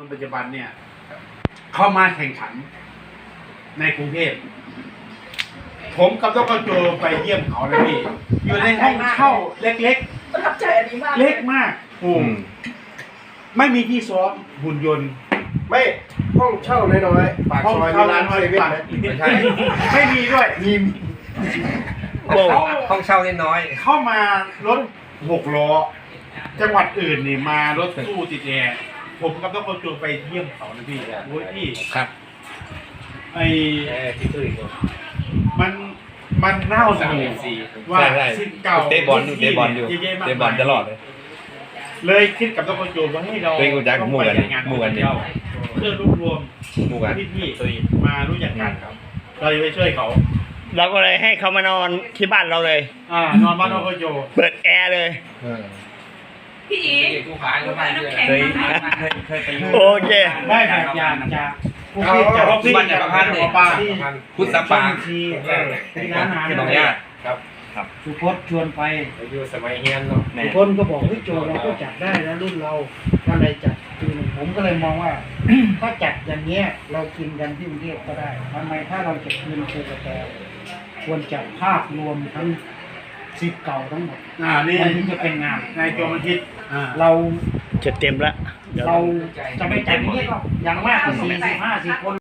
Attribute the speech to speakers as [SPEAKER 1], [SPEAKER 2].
[SPEAKER 1] คนปัจจุบันเนี่ยเข้ามาแข่งขันในกรุงเทพผมกับดร.โจไปเยี่ยมเขาเลยพี่อยู่ในห้องเช่าเล็ก
[SPEAKER 2] ประทับใจอันนี้มาก
[SPEAKER 1] ๆเล็กมากไม่มีที่ซ้อมหุ่นยนต์
[SPEAKER 3] ไม่ห้องเช่าน้อยๆปากซอยมีร้านเซเว่นนะ
[SPEAKER 1] ไม่ใช่ไม่มีด้วยมี
[SPEAKER 4] ห้องเช่าน้อย
[SPEAKER 1] เข้ามารถ6 ล้อจังหวัดอื่นนี่มารถตู้ติดแอร์ผมกับดร.โจไปเยี่ยมเขานะพี่โอ้ยพี่
[SPEAKER 4] ครับ
[SPEAKER 1] ไอ้
[SPEAKER 4] ที่ตู้อีก
[SPEAKER 1] มันเน่าหนูว่า
[SPEAKER 4] ใช่
[SPEAKER 1] สิ่งเก่า
[SPEAKER 4] เตะบอลอยู่เตะบอลอยู่
[SPEAKER 1] เยะๆมาก
[SPEAKER 4] เตะบอลตลอดเลย
[SPEAKER 1] เลยคิดกับดร.โจว่าให้เรา
[SPEAKER 4] ตัวเองรู้จักหมู่กัน
[SPEAKER 1] ต้องไปงาน
[SPEAKER 4] หมู่กัน
[SPEAKER 1] เที่ยวเพื่อรวบรวม
[SPEAKER 4] หมู่กัน
[SPEAKER 1] พี่ๆมารู้จักกันครับ เราจะไปช่วยเขา
[SPEAKER 5] เราก็เลยให้เขามานอนที่บ้านเราเลย
[SPEAKER 1] นอนบ้านดร.โจ
[SPEAKER 5] เปิดแอร์เลย
[SPEAKER 2] พี่อีกูขายน้ำแข็ง
[SPEAKER 4] เคยไปอยู่
[SPEAKER 5] โอเค
[SPEAKER 1] ได้แบบอย่างจากผู้พี่จากพ่อพี่จากพ่อป้าที่
[SPEAKER 4] พุทธปาง
[SPEAKER 1] ที่ร้านอาหาร
[SPEAKER 4] ที่หนองญาติครับ
[SPEAKER 6] สุพจน์ชวนไป
[SPEAKER 4] อยู่สมัยเฮียนเนาะ
[SPEAKER 6] สุพจน์ก็บอกเฮ้ยโจเราก็จัดได้นะรุ่นเราก็เลยจัดปีหนึ่งผมก็เลยมองว่า ถ้าจัดอย่างเงี้ยเรากินกันที่กรุงเทพก็ได้ทำไมถ้าเราจะคืนโคกระแตควรจัดภาพรวมทั้งสิบเก่าทั้งหมด
[SPEAKER 1] นี่
[SPEAKER 6] มันถึงจะเป็นงาน
[SPEAKER 1] นายโจมันคิด
[SPEAKER 6] เรา
[SPEAKER 5] จะเต็มละเดี๋ยว
[SPEAKER 6] เราจะไม่จัดอย่างนี้ก็อย่างมากก็40-50 คน